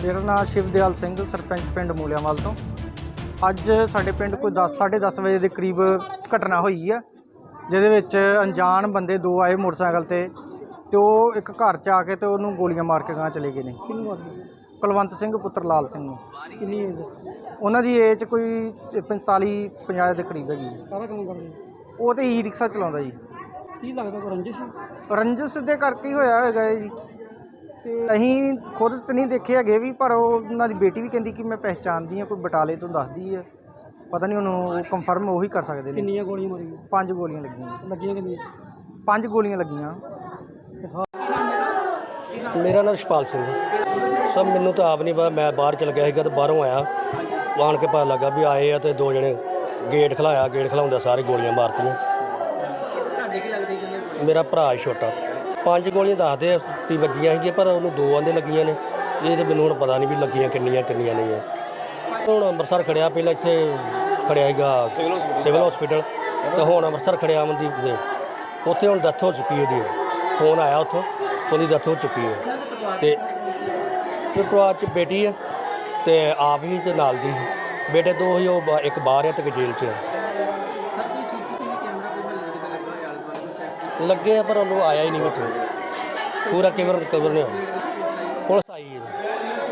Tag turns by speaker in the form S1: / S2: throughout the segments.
S1: मेरा नाम शिवदयाल सिंह सरपंच पिंड मूलियावाल तो। अज साडे पिंड कोई 10-10:30 बजे के करीब घटना हुई है, जिहदे विच अनजान बंदे दो आए मोटरसाइकिल ते ओह एक घर च आके ते उहनूं गोलियां मार के गांह चले गए ने। कुलवंत सिंह पुत्र लाल सिंह नूं।
S2: कितनी एज?
S1: उन्हां दी एज कोई 45-50 के करीब हैगी।
S2: सारा काम करदे?
S1: ਉਹ ਤੇ ई रिक्शा चलाਉਂਦਾ जी।
S2: ਕੀ ਲੱਗਦਾ ਕੋਈ ਰੰਜਿਸ਼?
S1: ਰੰਜਸ ਦੇ ਕਰਕੇ ਹੀ ਹੋਇਆ ਹੈਗਾ ਹੈ ਜੀ। ਤੇ ਅਸੀਂ ਖੁਦ ਤਾਂ ਨਹੀਂ ਦੇਖੇ ਹੈਗੇ ਵੀ, ਪਰ ਉਹਨਾਂ ਦੀ ਬੇਟੀ ਵੀ ਕਹਿੰਦੀ ਕਿ ਮੈਂ ਪਹਿਚਾਣਦੀ ਹਾਂ, ਕੋਈ ਬਟਾਲੇ ਤੋਂ ਦੱਸਦੀ ਹੈ। ਪਤਾ ਨਹੀਂ ਉਹਨੂੰ ਕੰਫਰਮ ਉਹੀ ਕਰ ਸਕਦੇ ਨੇ।
S2: ਕਿੰਨੀਆਂ ਗੋਲੀਆਂ ਮਾਰੀਆਂ?
S1: 5 ਗੋਲੀਆਂ ਲੱਗੀਆਂ।
S2: ਲੱਗੀਆਂ ਕਿੰਨੀਆਂ?
S1: 5 ਗੋਲੀਆਂ ਲੱਗੀਆਂ।
S3: मेरा नाम शपाल सिंह सब मैनू तो आप नहीं पता। मैं बाहर चल गया सीगा तो बाहरों आया, आन के पता लगा भी आए आ तो दो जने गेट खिलाया, गेट खिलाउंदे सारे गोलियां मारतियां। मेरा भरा छोटा 5 गोलियां दसदे भी वजियां सीगियां, पर उन्होंने 2 आंदे लगियां ने। ये तो मैनू हुण पता नहीं भी लगियां किन्नियां नहीं है। हुण अंमृतसर खड़िया, पहले इत्थे खड़िया सीगा सिविल हॉस्पिटल, तो हुण अंमृतसर खड़िया अमनदीप दे उत्थे हुण डैथ हो चुकी है। फोन आया उत्थों, ਉਹਦੀ ਡੈਥ ਹੋ ਚੁੱਕੀ ਹੈ। ਤੇ ਪਰਿਵਾਰ 'ਚ ਬੇਟੀ ਹੈ ਤੇ ਆਪ ਹੀ ਤੇ ਨਾਲ ਦੀ ਬੇਟੇ ਦੋ ਹੀ, ਉਹ ਇੱਕ ਬਾਹਰ ਹੈ ਤੇ ਇੱਕ ਜੇਲ੍ਹ 'ਚ ਹੈ। ਲੱਗੇ ਆ ਪਰ ਉਹਨੂੰ ਆਇਆ ਹੀ ਨਹੀਂ ਵਿੱਚ ਪੂਰਾ ਕਵਰ ਨਹੀਂ ਹੋਇਆ। ਪੁਲਿਸ ਆਈ ਹੈ।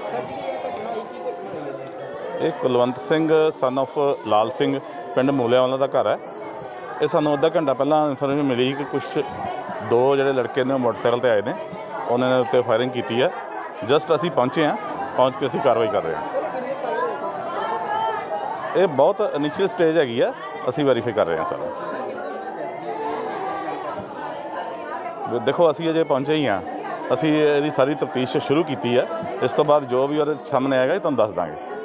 S4: ਇਹ ਕੁਲਵੰਤ ਸਿੰਘ ਸਨ ਆਫ ਲਾਲ ਸਿੰਘ ਪਿੰਡ ਮੂਲਿਆਂਵਾਲਾ ਦਾ ਘਰ ਹੈ। ਇਹ ਸਾਨੂੰ ਅੱਧਾ ਘੰਟਾ ਪਹਿਲਾਂ ਇਨਫੋਰਮੇਸ਼ਨ ਮਿਲੀ ਕਿ ਕੁਛ ਦੋ ਜਿਹੜੇ ਲੜਕੇ ਨੇ ਮੋਟਰਸਾਈਕਲ 'ਤੇ ਆਏ ਨੇ, ਉਹਨਾਂ ਨੇ ਉੱਤੇ ਫਾਇਰਿੰਗ ਕੀਤੀ ਹੈ। ਜਸਟ ਅਸੀਂ ਪਹੁੰਚੇ ਹਾਂ, ਪਹੁੰਚ ਕੇ ਅਸੀਂ ਕਾਰਵਾਈ ਕਰ ਰਹੇ ਹਾਂ। ਇਹ ਬਹੁਤ ਇਨੀਸ਼ੀਅਲ ਸਟੇਜ ਹੈਗੀ ਆ, ਅਸੀਂ ਵੈਰੀਫਾਈ ਕਰ ਰਹੇ ਹਾਂ ਸਾਰਾ। ਦੇਖੋ ਅਸੀਂ ਅਜੇ ਪਹੁੰਚੇ ਹੀ ਹਾਂ, ਅਸੀਂ ਇਹਦੀ ਸਾਰੀ ਤਫਤੀਸ਼ ਸ਼ੁਰੂ ਕੀਤੀ ਹੈ। ਇਸ ਤੋਂ ਬਾਅਦ ਜੋ ਵੀ ਉਹਦੇ ਸਾਹਮਣੇ ਆਏਗਾ ਤੁਹਾਨੂੰ ਦੱਸ ਦਾਂਗੇ।